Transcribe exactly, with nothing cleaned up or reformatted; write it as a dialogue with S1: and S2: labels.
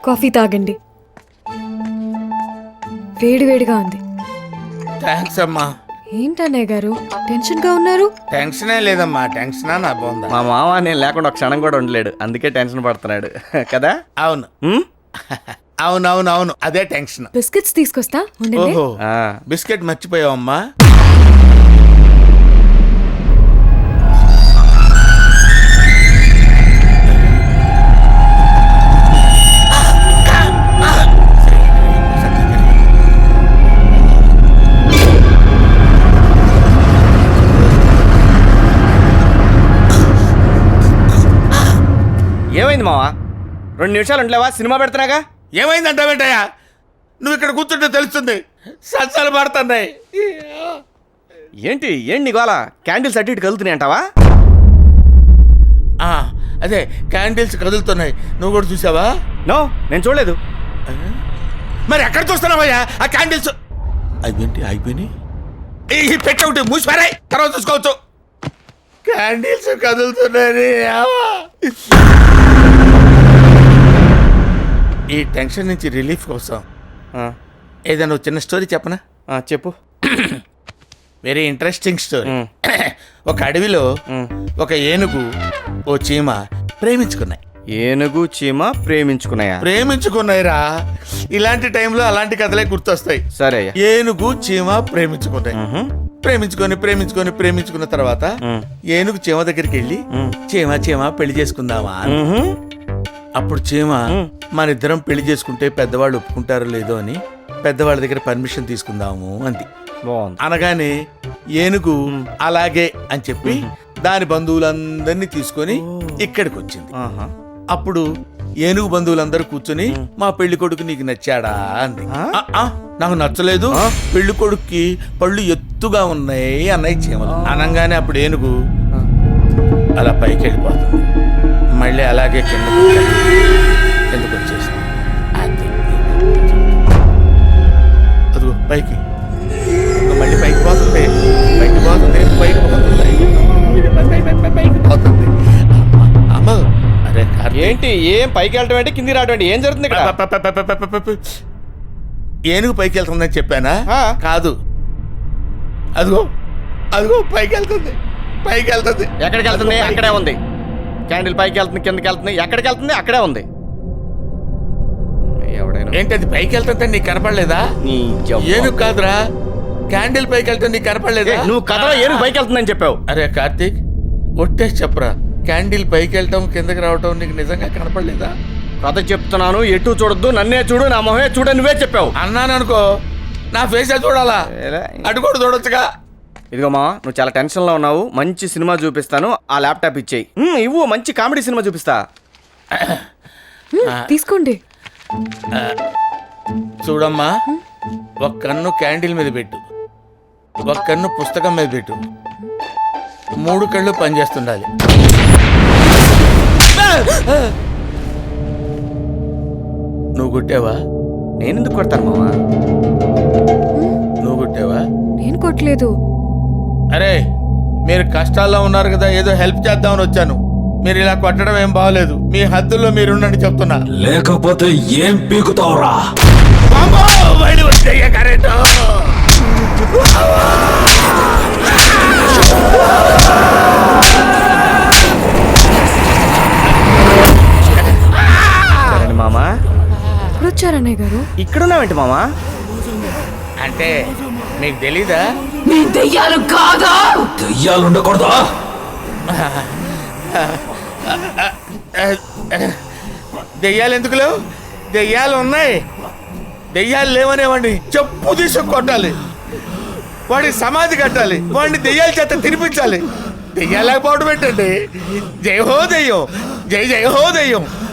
S1: Coffee తాగండి, వేడి వేడిగా ఉంది.
S2: థ్యాంక్స్ అమ్మా.
S1: ఏంటన్నయ్య గారు టెన్షన్ గా ఉన్నారు?
S2: టెన్షనే లేదమ్మా, టెన్షనా నా బోందా.
S3: మా మామ నేను లేకుండా ఒక క్షణం కూడా ఉండలేడు, అందుకే టెన్షన్ పడుతున్నాడు కదా.
S2: అవును
S3: ఉమ్?
S2: అవును అవును అవును అదే టెన్షన్.
S1: బిస్కెట్స్ తీసుకొస్తా ఉండండి.
S2: ఓహో
S3: ఆ.
S2: బిస్కెట్ మర్చిపోయావమ్మా.
S3: ఏమైంది మావా? రెండు నిమిషాలు ఉండలేవా? సినిమా పెడుతున్నాగా.
S2: ఏమైందంటావేంటయ్యా? నువ్వు ఇక్కడ కూర్చుంటే తెలుస్తుంది, సత్సాలు పడుతున్నాయి.
S3: ఏంటి ఏంటి నీకోల? క్యాండిల్స్ అటు ఇటు కలుగుతున్నాయి అంటావా?
S2: ఆ, అదే క్యాండిల్స్ కదులుతున్నాయి, నువ్వు కూడా చూసావా?
S3: నో, నేను చూడలేదు.
S2: మరి ఎక్కడ చూస్తున్నావయ్యా ఆ క్యాండిల్స్? అదేంటి అయిపోయినాయి? ఈ పెట్ట ఒకటి మూసిపారాయి, తర్వాత చూసుకోవచ్చు. క్యాండిల్స్ కదులుతున్నాయి. ఈ టెన్షన్ నుంచి రిలీఫ్ కోసం
S3: ఆ,
S2: ఏదైనా ఒక చిన్న స్టోరీ చెప్పనా?
S3: ఆ, చెప్పు.
S2: Very interesting story.
S3: మ్.
S2: ఒక అడవిలో
S3: మ్.
S2: ఒక ఏనుగు ఓ చీమ ప్రేమించుకున్నాయి.
S3: ఏనుగు చీమ ప్రేమించుకున్నాయా?
S2: ప్రేమించుకున్నాయిరా. ఇలాంటి టైంలో అలాంటి కథలే గుర్తొస్తాయి.
S3: సరే అయ్యా.
S2: ఏనుగు చీమ ప్రేమించుకున్నాయి.
S3: మ్హూ.
S2: ప్రేమించుకొని ప్రేమించుకొని ప్రేమించుకున్న తర్వాత
S3: మ్.
S2: ఏనుగు చీమ దగ్గరికి వెళ్ళి
S3: మ్.
S2: చీమ చీమ పెళ్లి చేసుకుందామా అని.
S3: మ్హూ.
S2: అప్పుడు చీమ
S3: మ్.
S2: మన ఇద్దరం పెళ్లి చేసుకుంటే పెద్దవాళ్ళు ఒప్పుకుంటారో లేదో అని పెద్దవాళ్ళ దగ్గర పర్మిషన్ తీసుకుందాము అంది.
S3: బాగుంది.
S2: అనగానే ఏనుగు అలాగే అని చెప్పి దాని బంధువులందరినీ తీసుకొని ఇక్కడికి వచ్చింది.
S3: ఆహా.
S2: అప్పుడు ఏనుగు బంధువులందరూ కూర్చొని మా పెళ్లి కొడుకు నీకు నచ్చాడా అంది.
S3: ఆ?
S2: "ఆ, ఆ, నాకు నచ్చలేదు,
S3: ఆ?
S2: పెళ్లి కొడుక్కి పళ్ళు ఎత్తుగా ఉన్నాయి అన్నయ్య చీమలు." అనగానే అప్పుడు ఏనుగు అలా పైకి వెళ్ళిపోతుంది, మళ్ళీ అలాగే కింద కిందకు వచ్చేసింది. అది అదిగో పైకి, ఇంకా మళ్ళీ పైకి పోతుంది, పైకి పోతుంది, పైకి పోతుంది, పైకి పోతుంది. అమ్మ, అరే కార్తీక్.
S3: ఏంటి ఏం పైకి వెళ్ళటం ఏంటి, కిందికి రావటం ఏంటి? ఏం జరుగుతుంది ఇక్కడ?
S2: ప- ప- ప- ప- ప- ప- ప- ఏనుగు పైకి వెళ్తుందని చెప్పానా?
S3: ఆ.
S2: కాదు, అదిగో అదిగో పైకి వెళ్తుంది, పైకి వెళ్తుంది.
S3: ఎక్కడికి వెళ్తుంది? అక్కడే ఉంది. క్యాండిల్ పైకి వెళ్తుంది, కిందకి వెళ్తుంది, ఎక్కడికి వెళ్తుంది? అక్కడే ఉంది. ఎవడైనా
S2: ఏంటి అది పైకి వెళ్తుంటే నీకు కనపడలేదా?
S3: నీ జవ్వ.
S2: ఏనుగు కాదురా, క్యాండిల్ పైకి వెళ్తే నీకు కనపడలేదా?
S3: ఏ, నువ్వు కథలో ఏనుగు పైకి వెళ్తుందని చెప్పావు.
S2: అరే కార్తీక్, ఒట్టేసి చెప్పరా, క్యాండిల్ పైకి వెళ్ళటం కిందకి రావటం నీకు నిజంగా కనపడలేదా?
S3: కథ చెప్తున్నాను, ఎటు చూడొద్దు, నన్నే చూడు, నా మొహమే చూడు, నువ్వే చెప్పావు.
S2: అన్నాను అనుకో, నా ఫేస్ చూడాలా?
S3: ఏలే.
S2: అటు కూడా చూడొచ్చుగా.
S3: ఇదిగో మా, నువ్వు చాలా టెన్షన్లో ఉన్నావు, మంచి సినిమా చూపిస్తాను, ఆ ల్యాప్టాప్ ఇచ్చేయి. ఉమ్, ఇవ్వు, మంచి కామెడీ సినిమా చూపిస్తా.
S1: మ్, తీసుకోండి.
S2: చూడమ్మా, ఒక కన్ను క్యాండిల్ మీద పెట్టు, ఒక కన్ను పుస్తకం మీద పెట్టు, మూడు కళ్ళు పనిచేస్తుండాలి. నువ్వు కొట్టావా?
S3: నేను ఎందుకు కొడతాను మావా?
S2: నువ్వు కొట్టావా?
S1: నేను కొట్టలేదు.
S2: అరే, మీరు కష్టాల్లో ఉన్నారు కదా, ఏదో హెల్ప్ చేద్దామని వచ్చాను. మీరు ఇలా కొట్టడం ఏం బాగలేదు, మీ హద్దుల్లో మీరుండండి చెప్తున్నా.
S4: లేకపోతే ఏం పీకుతావురా?
S2: అమ్మో, బయట వచ్చేయ్యా కరెంటు.
S3: సరే మామా.
S1: ఇప్పుడు వచ్చారన్నయ్య గారు.
S3: ఇక్కడున్నావేంటి మామా?
S2: అంటే మీకు తెలీదా?
S4: దెయ్యాలు ఉండకూడదా?
S2: దెయ్యాలు ఎందుకు లేవు? దెయ్యాలు ఉన్నాయి. దెయ్యాలు లేవనేవాడిని చెప్పు తీసుకు కొట్టాలి, వాడికి సమాధి కట్టాలి, వాడిని దెయ్యాల చేత తినిపించాలి. దెయ్యాలు లేకపోవడం ఏంటండి? జై హో దెయ్యం, జై జై హో దెయ్యం.